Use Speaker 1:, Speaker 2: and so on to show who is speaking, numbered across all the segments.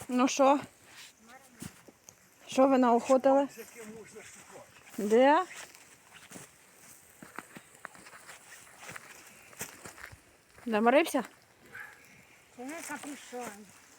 Speaker 1: Ну що? Що ви наохотили? Де? Заморився?
Speaker 2: Це не капюшон.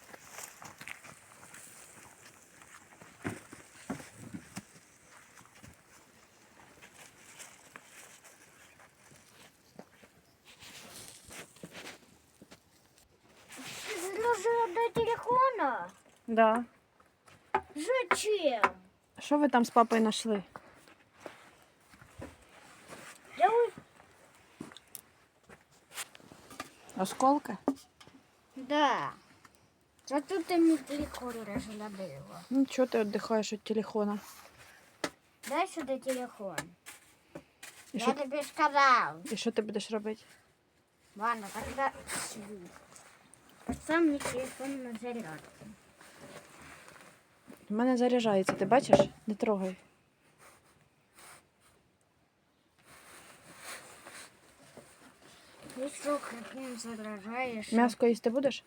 Speaker 2: Зложила до телефона?
Speaker 1: Да.
Speaker 2: Зачем?
Speaker 1: Що ви там з папою знайшли?
Speaker 2: Я ой-
Speaker 1: Осколки?
Speaker 2: Да. Зато ти мій телефон розгладила.
Speaker 1: Ну, чого ти віддихаєш від телефона?
Speaker 2: Дай сюди телефон.
Speaker 1: І
Speaker 2: Я
Speaker 1: що,
Speaker 2: тобі сказав.
Speaker 1: і що ти будеш робити?
Speaker 2: Ладно, тогда світ. Поставь мені телефон на зарядку.
Speaker 1: У мене заряджається, ти бачиш? Не трогай.
Speaker 2: Ти що, каким заряджаєш?
Speaker 1: М'яско їсти будеш?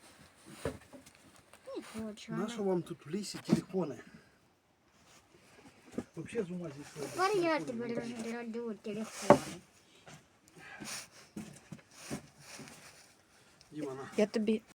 Speaker 2: Не хочу.
Speaker 3: Нащо вам тут в лісі телефони? Вообще з ума зійшли.
Speaker 2: Тепер я тобі розгляду телефон.
Speaker 3: Діма, на.
Speaker 1: Я тобі